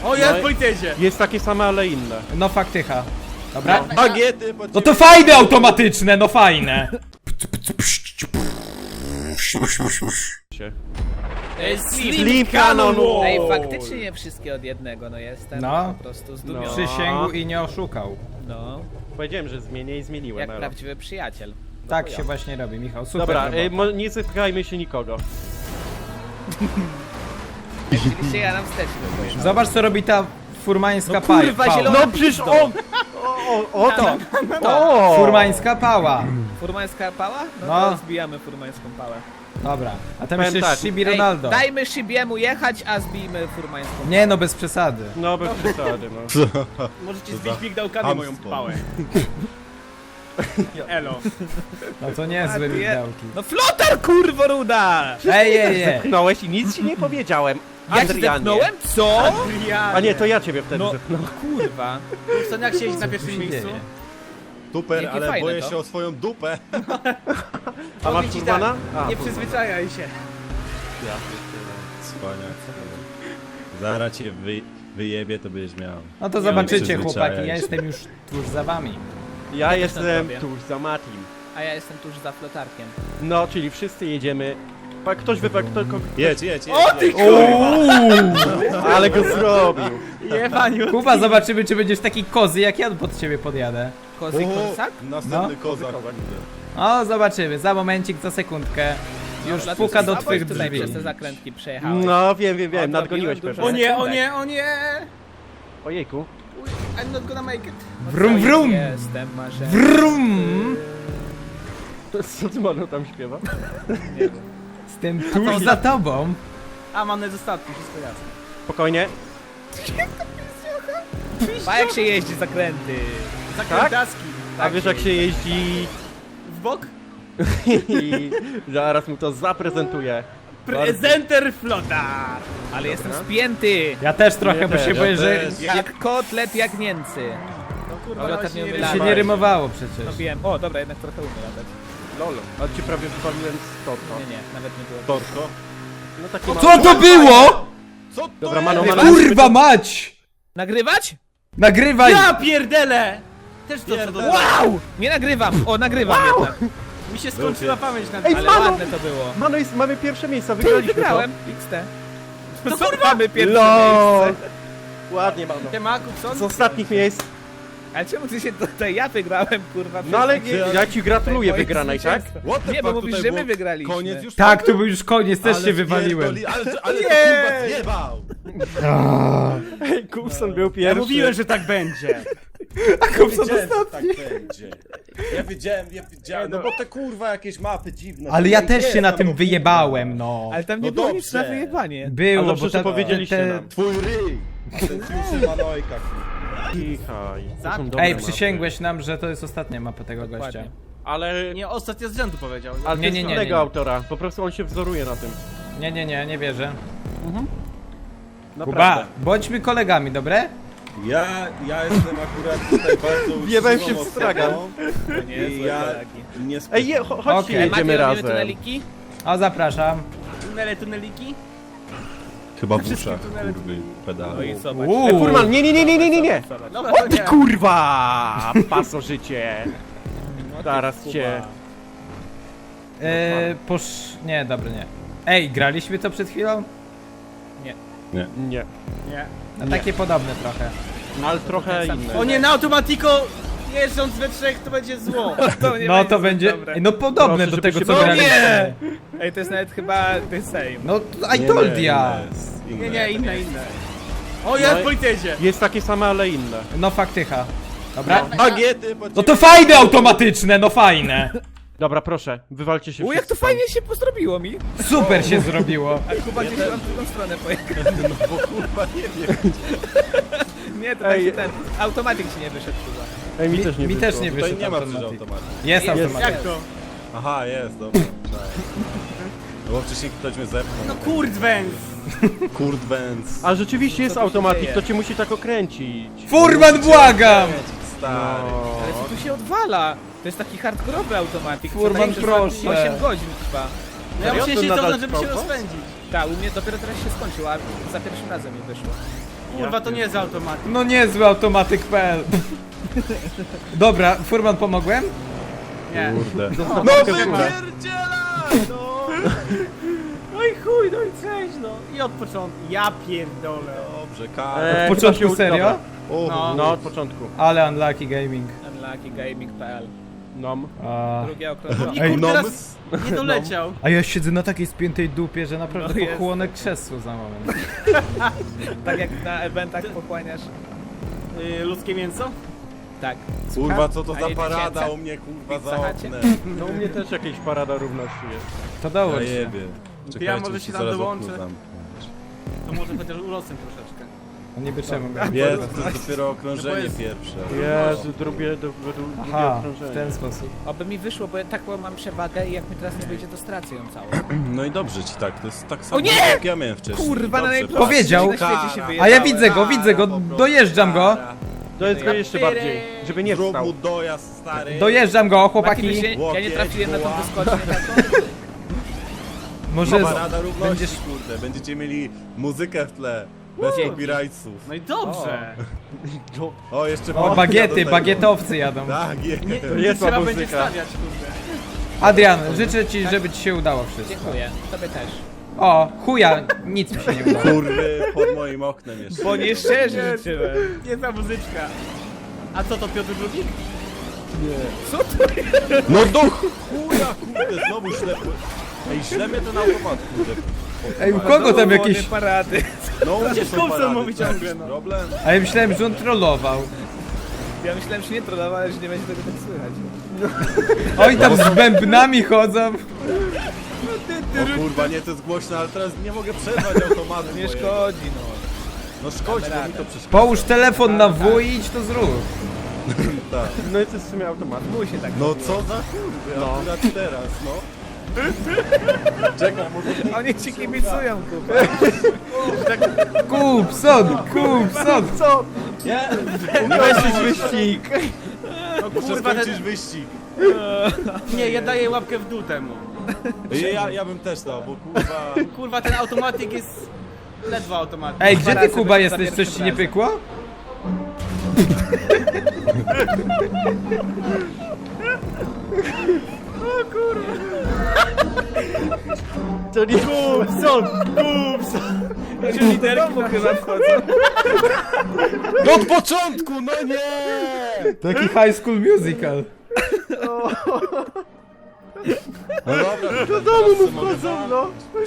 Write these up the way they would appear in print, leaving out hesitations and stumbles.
O, ja w politezie! Jest takie same, ale inne. No faktycha. Dobra. Bagiety, No to fajne automatyczne, no fajne. Sleep Cannon Wall. Ej, faktycznie nie wszystkie od jednego, no jestem No. po prostu zdumiony. Przysięgł i nie oszukał. No, Powiedziałem, że zmienię i zmieniłem. jak Elo. prawdziwy przyjaciel. Tak się właśnie robi, Michał. Super Dobra, robota. nie zyskajmy się nikogo. Oczywiście ja nam wstecz wypojechałem. Zobacz co robi ta furmańska No kurwa, pała. zielona No przecież on! O to! O! Furmańska pała. Furmańska pała? No, No. to zbijamy furmańską pałę. Dobra. A tam Powiem jeszcze tak. Shibi Ej, Ronaldo. dajmy Szybiemu jechać, a zbijmy furmańską. Nie no, bez przesady. No bez przesady, no. Możecie zbić migdałkami moją pałę. Elo. No to niezłe migdałki. No flotar, kurwo ruda! Ej. Zepchnąłeś i nic ci nie powiedziałem. Ja ci Adrianie. zepnąłem? Co? A nie, to ja ciebie wtedy No. zepchnąłem. Kurwa. Co, jak siedzieć na Co pierwszym się miejscu? dzieje? Super, Jakie ale fajne boję to. się o swoją dupę. A masz Powiem ci Furmana? tak, A, nie Furman. przyzwyczajaj się. Cwaniak. Zaraz cię wyjebie, to będziesz miał. No to zobaczycie przyzwyczajaj chłopaki, ja się. jestem już tuż za wami. Ja jestem zrobię. tuż za Matim. A ja jestem tuż za flotarkiem. No, czyli wszyscy jedziemy. Ktoś wybrał, Jedź. O ty ale go zrobił. jebaniu. Kuba, zobaczymy czy będziesz taki kozy jak ja pod ciebie podjadę. Kozy kozak? Następny No. kozak. O, zobaczymy, za momencik, za sekundkę. Już Dlatego puka do słabo twych tutaj drzwi. przez te zakrętki przejechałeś. No, wiem, nadgoniłeś dużo. pewnie. O nie, o nie, o nie! Ojejku. I'm not gonna make it. Wrum wrum! Jestem marzeniem. Wrum! Co ty Manu tam śpiewa? Z tym tuż za tobą. A, mam dostatki, wszystko jasne. Spokojnie. Pa jak się jeździ zakręty. Zakrętaski. A wiesz jak się jeździ W bok? i zaraz mu to zaprezentuję. Prezenter flotar! Ale jestem spięty. Ja też trochę, Ja bo też, się boję, że też. Jak kotlet, jak Niemcy. No kurwa, Dobra, ale tak nie się nie umylałem. się nie rymowało przecież. No wiem. O, dobra, jednak trochę umiem latać. Lol. Ale ci prawie wypaliłem z torto. Nie, nawet nie było. Torko. No taki Co to było? Co to Dobra, jest? Mano, Kurwa mać! Nagrywać? Nagrywaj! Ja pierdele! Też to co do... Wow! Nie nagrywam. O, nagrywam jednak. Mi się skończyła pamięć na Ej, Ale Mano! ładne to było. Mano, mamy pierwsze miejsce, Ty, wygraliśmy wygrałem. XT. To Co kurwa! mamy to. pierwsze LOL. miejsce? Ładnie, Mano. Siemaku, co? Z ostatnich miejsc. Ale czemu ty się tutaj ja wygrałem, kurwa? No ale przez- ja ci gratuluję moje wygranej, tak? zwycięstwo. What the Nie, bo fuck, mówisz, tutaj że my było wygraliśmy. Koniec już? Tak, tu był już koniec, też Ale się wywaliłem. Ale to kurwa zjebał! Ej, Kupson był Ja pierwszy. mówiłem, że tak będzie. Kupson Wiedziałem, że ostatni. tak będzie. Ja wiedziałem, no bo te kurwa jakieś mapy dziwne. Ale ja też Jest się na tam tym lub- wyjebałem, no. Ale tam nie No było dobrze. nic na wyjebanie. Było, Ale dobrze, bo że powiedzieliście nam. Twój ryj! Ten Fiuszy Manojka. Cichaj. To są dobre Ej, mapy. przysięgłeś nam, że to jest ostatnia mapa tego gościa. Dokładnie. Ale... Nie, ostatnio z rzędu powiedział. Ale Nie, to jest nie, nie, innego nie. autora. Po prostu on się wzoruje na tym. Nie wierzę. Kuba, Naprawdę. bądźmy kolegami, dobre? Ja jestem akurat tutaj bardzo Wjebałem się uczciwą w stragan. osobą nie, I ja nie Ej, chodźcie, Okej. jedziemy Robimy razem. tuneliki? O, zapraszam. Tuneliki? Chyba w uszach, kurwy, No pedały. i zobacz. Ej, Furman, nie! Dobra, O to ty nie. kurwa! Pasożycie! No Zaraz cię... Nie, dobra, nie. Ej, graliśmy to przed chwilą? Nie. Nie. No takie podobne trochę. Ale trochę inne. O nie, na automatiko jeżdżąc we trzech to będzie zło. To nie No to zbyt będzie. dobre. Ej, no podobne Proszę, do tego, żebyście co było- graliśmy. Ej, to jest nawet chyba the same. No, I told ya. Nie, inne. O, ja w politezie. Jest takie same, ale inne. No faktycha. Dobra? Bagiety, No to fajne automatyczne, no fajne. Dobra, proszę, wywalcie się U, jak to wszyscy fajnie się zrobiło mi. Super się zrobiło. A Kuba gdzieś tam w drugą stronę pojechał. No bo kurwa nie wiem. Nie, to tak Ej. się ten automatik ci nie wyszedł Kuba. Ej, mi też nie Mi wyszło. też nie Tutaj wyszedł nie ma przecież automatyk. automatu. Jest Jest. automatyk. Jak to? Aha, jest, dobra. No bo wcześniej ktoś mnie zepchnął. No kurdwęs. Kurt Benz. A rzeczywiście jest Co tu się automatik, dzieje? to cię musi tak okręcić. Furman, błagam! Stary. Ale co tu się odwala? To jest taki hardkorowy automatik. Furman, proszę. 8 godzin trwa. No ja Serio? muszę To się nadal cofnąć, żeby się trwa? rozpędzić. Tak, u mnie dopiero teraz się skończył, a za pierwszym razem mi wyszło. Kurwa, to nie jest automat. No niezły automatyk.pl. Dobra, Furman, pomogłem? Nie. Kurde. No wypierdziela! No. No i chuj, no i cześć, no. I od początku. Ja pierdolę. Dobrze, Karol. W początku serio? No. No, od początku. Ale unlucky gaming. Unluckygaming.pl. Nom. A, Drugie okrążenie. I Ej, kurde, no, teraz nie doleciał. a ja siedzę na takiej spiętej dupie, że naprawdę No jest. pochłonę krzesło za moment. Tak jak na eventach pochłaniasz. Ludzkie mięso? Tak. Kurwa, co to A za nie parada tysięcy? u mnie, kurwa, Pizza za Hucie? oknem. No u mnie też jakieś parada równości jest. To Ja dołącz się. jebie. Ja może Czekajcie, się się tam zaraz dołączę. okno zamknąć. To może chociaż urosłem troszeczkę. No niby czemu miałem Jest, porwać? to jest dopiero okrążenie No bo jest- pierwsze. Jezu, drugie Aha, okrążenie. w ten sposób. Oby mi wyszło, bo ja taką mam przewagę i jak mi teraz nie wyjdzie, to stracę ją całą. No i dobrze ci tak, to jest tak samo nie! jak ja miałem wcześniej. Kurwa, na Dobrze, najprostszej Powiedział. na świecie się A wyjebałem. ja widzę go, dojeżdżam go. To jest go jeszcze bardziej, żeby nie Zrób wstał. mu dojazd, stary. Dojeżdżam go, Mati, chłopaki. wiesz, ja nie trafiłem na tą wyskocznię taką. Może Parada równości, będziesz... kurde. Będziecie mieli muzykę w tle. Bez Dzięki. copyrightsów. No i dobrze. O, jeszcze O, babka do bagiety, tego. bagietowcy jadą. Tak, jest. Jest Trzeba ma będzie muzyka. stawiać, kurde. Adrian, życzę ci, żeby ci się udało wszystko. Dziękuję, tobie też. O, chuja, nic mi się nie udało. Kurwy pod moim oknem jeszcze. Bo nie szczerze życzyłem. Nie ta muzyczka. A co to Piotr II? No do chuja, kurde, znowu ślepy. Ej, źle mnie ten automat, kurde. Ej, u kogo tam jakieś... parady. No, u mnie są Coulson parady, mówi to ciągle, jakiś no. problem? A ja myślałem, że on trollował. Ja myślałem, że nie trollowałem, że nie będzie tego tak słychać. Oni tam z bębnami chodzą. O kurwa, nie, to jest głośno, ale teraz nie mogę przerwać automatu. Nie mojego. szkodzi, no. No szkodzi, bo mi to przeszkadza. Połóż telefon na W i idź to zrób. Tak. No i to jest w sumie automat. Musi tak. No co za kurwy, No. akurat teraz, no. Czekaj, może... Oni ci kibicują, kurwa. Kupson. Co? Nie, Weź wyścig. No muszę kurwa, skończyć ten... wyścig. Nie, ja daję łapkę w dół temu. Ja bym też dał, bo kurwa... Kurwa, ten automatik jest... Ledwo automatyk. Ej, gdzie ty, razy Kuba, wyszło za jesteś? Coś ci nie pierwszym pykło? To nie Kupson. Czyli do domu chyba wchodzą. No od początku, no nie! Taki High School Musical. No dobra, do domu mu wchodzą, no.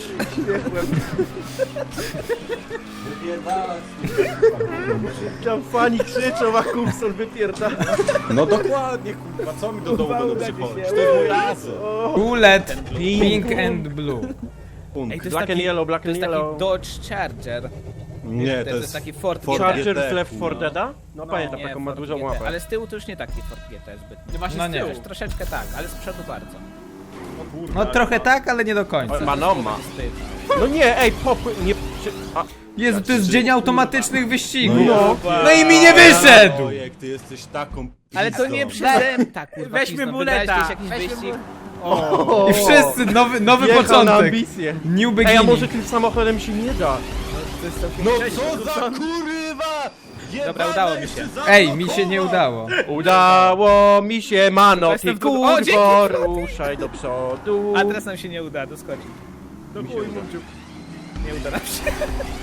Tam fani krzyczą, a Kupson wypierdala. No dokładnie, kurwa, co mi do domu będą przychodzić? To jest mój laser. Bullet, pink and blue. Ej, to jest Black and taki, yellow, black to and jest taki yellow. Dodge Charger. Nie, To jest taki Ford Ford GT. Charger GT, z Left 4 no. Deada? No pamiętam, Nie, taką ma Ford dużą GT, łapę. ale z tyłu to już nie taki Ford GT zbyt. Nie właśnie No z nie. tyłu. Też troszeczkę tak, ale z przodu bardzo. No trochę tak, ale nie do końca. Ma. Wstyd. No nie, ej, nie... A, Jezu, to jest dzień automatycznych wyścigów. No. No i mi nie wyszedł! Ojek, ty jesteś taką Ale to nie pizdą. przeze tak, kurwa, Weźmy pizdą. buleta. Wybrałeś jakiś Weźmy wyścig. o, I wszyscy, nowy wjechał na początek. ambicje. New Ej, a beginning. może tym samochodem się nie da? No co za kurwa! Dobra, udało mi się. Ej, mi się nie udało. Udało mi się, mano, Jestem ty w drugim- O, dzięki! kurwo, ruszaj do przodu. A teraz nam się nie uda, doskoczyć. mi się uda. Nie uda nam się.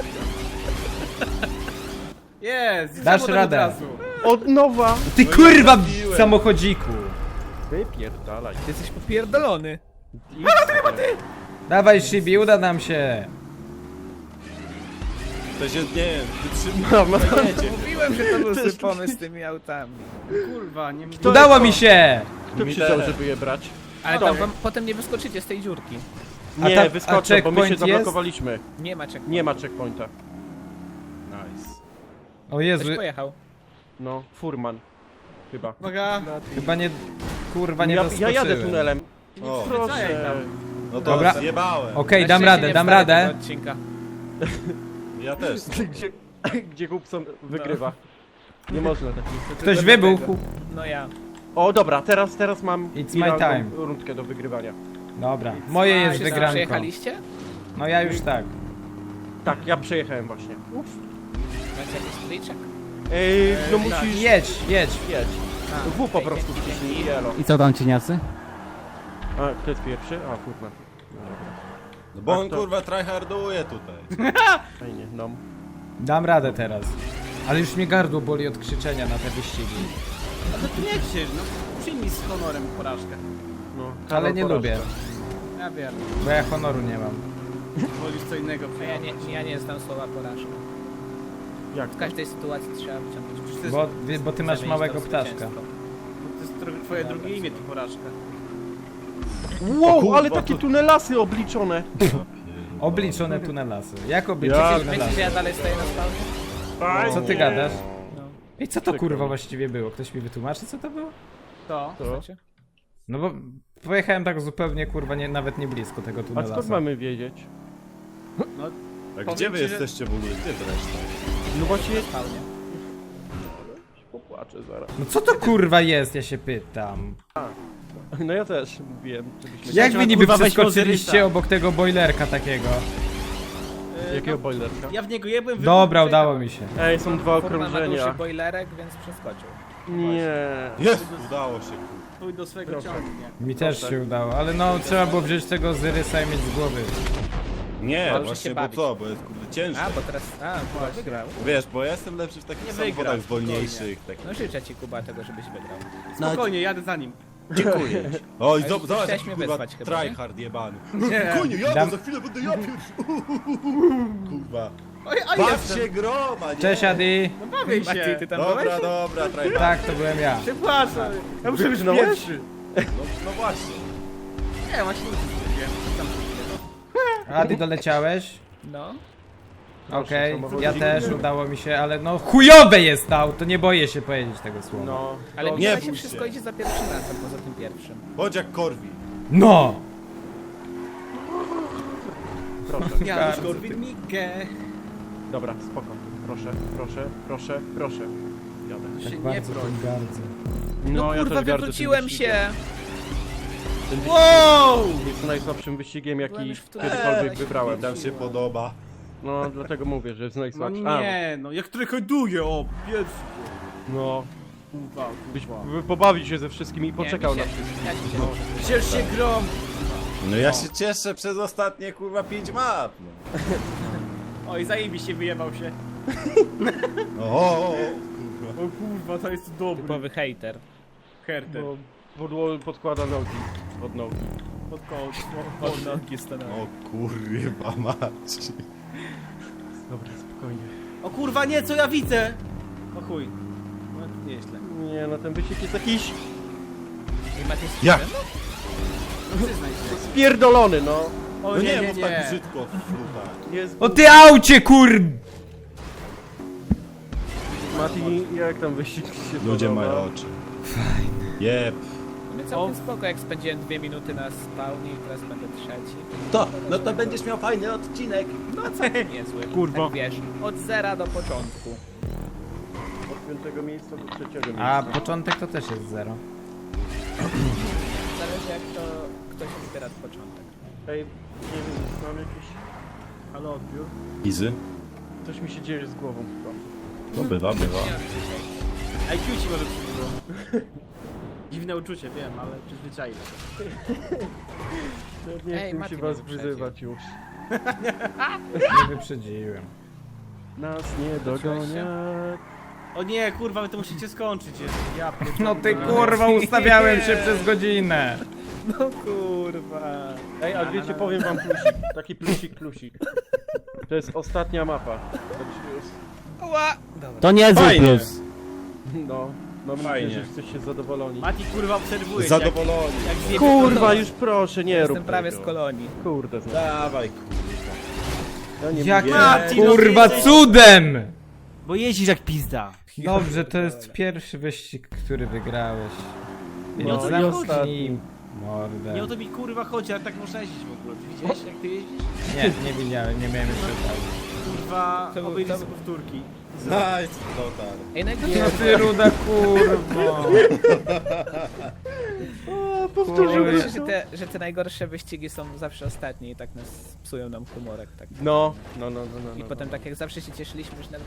Jest, Dasz samo radę. od razu. Od nowa. Ty No i kurwa trafiłem. samochodziku. Wypierdalaj. Ty jesteś popierdolony. Dawaj Shibi, uda nam się. To się, nie wiem, wytrzyma. Mówiłem, że to był zły pomysł z tymi autami. Kurwa, nie mówię. Udało mi się. Kto Mi przyjrzał, też. żeby je brać? Ale Dobra. tam wam potem nie wyskoczycie z tej dziurki. A Nie, ta- a wyskoczę, bo my się checkpoint jest? zablokowaliśmy. Nie ma czego. Nie ma checkpointa. Nice. O Jezu, Ktoś pojechał. No, Furman. Chyba. Uwaga. chyba nie... Kurwa nie Ja doskoczyłem. jadę tunelem. O, Wracaj Proszę. tam. no to Dobra. zjebałem. Okej, Na dam szczęście radę, nie dam wstaję radę. tego odcinka. Ja też. Gdzie Kupson wygrywa. Nie można takich. Ktoś wybuchł. No ja. O, dobra, teraz mam It's my idealną time. rundkę do wygrywania. Dobra, moje jest Wszyscy wygranko. przejechaliście? No ja już tak. Tak, ja przejechałem właśnie. Macie jakiś stoliczek? No musisz Jedź. jedź. A, W po okej, prostu dzięki, wciśnij dzięki. i elo. I co tam, cieniacy? A, kto jest pierwszy? A, kurwa. No bo on to- kurwa tryharduje tutaj. Fajnie, no. Dam radę teraz. Ale już mnie gardło boli od krzyczenia na te wyścigi. A to ty nie krzycz, no. Przyjmij z honorem porażkę. No, Ale Karol nie porażka. lubię, Ja wiem. bo ja honoru nie mam. Wolisz co innego. A ja nie znam słowa porażka. Jak W to? każdej sytuacji trzeba wyciągnąć. Przecież to jest, Bo ty masz zamienić małego to w ptaszka. zwycięstwo. to jest twoje drugie imię, to porażka. Wow, kurwa, ale takie to- tunelasy obliczone. Obliczone tunelasy. Jak obliczyć Ja- Myślisz, tunelasy? że ja dalej stoję na spawnie? Co ty gadasz? No. I co to kurwa właściwie było? Ktoś mi wytłumaczy co to było? To. To? No bo pojechałem tak zupełnie kurwa nawet nie blisko tego A tunelasu. skąd mamy wiedzieć? A Powiem gdzie wy ci, że- jesteście w ogóle? Gdzie zresztą? No właśnie, Na spawnie. popłaczę zaraz. No co to kurwa jest, ja się pytam. No ja też mówiłem, żebyśmy... Jak wy niby kurwa, weź przeskoczyliście Mozerysa. obok tego boilerka takiego? Jakiego boilerka? Ja w niego jebłem, Dobra, udało mi się. Ej, są dwa Furman ma duży okrążenia. boilerek, więc przeskoczył. Nie. Jest! Udało się. Pójdź do swojego Proszę. ciągnie. Mi też się udało, ale no trzeba było wziąć tego Zyrysa i mieć z głowy. Nie, Możesz właśnie się bo bawić. co, bo jest kurde cięższe. A, bo teraz... A, Kuba wygrał. Wiesz, bo ja jestem lepszy w takich Nie samochodach wygra, wolniejszych. Tak. No życzę ci, Kuba, tego, żebyś wygrał. Spokojnie, jadę za nim. Dziękuję. Oj, Ale zobacz, chciałeś mnie kurwa, wezwać chyba, nie? tryhard jebany. Nie. Konie, jadę, Dam- za chwilę będę ja pierwszy. Kurwa. Oj, a Baw jestem. się groma, nie? Cześć Adi! No bawię Mati, się. ty tam byłeś? Dobra, dobra, tryhard. Tak, to byłem ja. Przepraszam. Ja muszę być Wygnąłeś? pierwszy. No właśnie. Nie, właśnie nie wiem. Tam Adi doleciałeś? No. Okej, samochodzik. ja też, udało mi się, ale no chujowe jest to auto, nie boję się powiedzieć tego słowa. No. Ale to- mi nie się bój wszystko się. idzie za pierwszym razem, poza tym pierwszym. Bądź jak Korwi. No! Proszę. Janusz Bardzo Korwin-Mikke. Dobra, spoko. Proszę, proszę, proszę, proszę. Jadę. Się Tak nie bardzo broń. tym gardzę. No ja kurwa, też gardzę tym wywróciłem wyścigiem. się! Ten wyścig Wow! jest najsłabszym wyścigiem, Byłem jaki już w kiedykolwiek tunelu. wybrałem. Nam się podoba. No, dlatego mówię, że jest No najsłabszy. nie, no jak trykoduję, o, pierwszy. No, Kurwa, byś kurwa. pobawić się ze wszystkimi i poczekał Nie, na mi się- wszystkich. Ja ci się muszę. Ciesz się grom. No ja się cieszę przez ostatnie kurwa 5 map. No. Oj, zajebiście wyjebał się. O, kurwa. O kurwa, to jest dobry. Typowy hater. Herter. Bo podło podkłada nogi pod nogi. Pod kołd. Od nogi stanęły. O kurwa mać. Dobra, spokojnie. O kurwa, nie, co ja widzę? O chuj. No to nieźle. Nie, no ten wyścig jest jakiś I Maciej z Jak? Kutem? No przyznaj się. spierdolony, no. O No nie, nie nie, mów tak nie. brzydko w flutach. Jest O ty aucie kur... Mati, jak tam wyścig ci się Ludzie podoba? mają oczy. Fajne. Jeb. No całkiem spoko, jak spędziłem 2 minuty na spawnie i teraz będę trzeci. To, no to będziesz miał fajny odcinek. No całkiem niezły. Kurwa. Tak wiesz, od zera do początku. Od 5 miejsca do 3 miejsca. A początek to też jest 0. Zależy jak to ktoś wybiera początek. Ej, nie wiem, mam jakiś... Halo, odbiór. Izy? Coś mi się dzieje z głową chyba. No bywa, bywa. IQ ci może przybyło. Dziwne uczucie, wiem, ale przyzwyczaiłem. Nie Ej, chcę Mati się mnie was wyprzedził. wyzywać już. Nie wyprzedziłem. Nas nie dogonią. O nie, kurwa, wy to musicie skończyć. Jest. Ja pierdolę. No ty kurwa, ustawiałem się przez godzinę. No kurwa. Ej, a wiecie, powiem wam plusik. Taki plusik. To jest ostatnia mapa. Także jest... Ła! Dobra. To nie Fajnie. No, mam Fajnie. nadzieję, że jesteście zadowoleni. Mati, kurwa, obserwuje. Zadowoloni. Jak zjebie Kurwa, to- już proszę, nie rób Jestem prawie z tego. kolonii. Kurde, znam. Dawaj kurwa. Ja nie Jak mówię. Mati, no kurwa ty jesteś- cudem! Bo jeździsz jak pizda. Dobrze, to jest pierwszy wyścig, który wygrałeś. No, Więc i zamknij ostatni. mordę. Nie o to mi kurwa chodzi, ale tak można jeździć w ogóle. Ty widziałeś jak ty jeździsz? Nie widziałem, nie miałem jeszcze okazji. Kurwa, To był- obejrzyj to sobie powtórki. Nice, total. Ej, No najgorsze ty ruda kurwa. najgorsze, że te najgorsze wyścigi są zawsze ostatnie i tak nas psują nam humorek. Tak. No. I potem tak jak zawsze się cieszyliśmy, że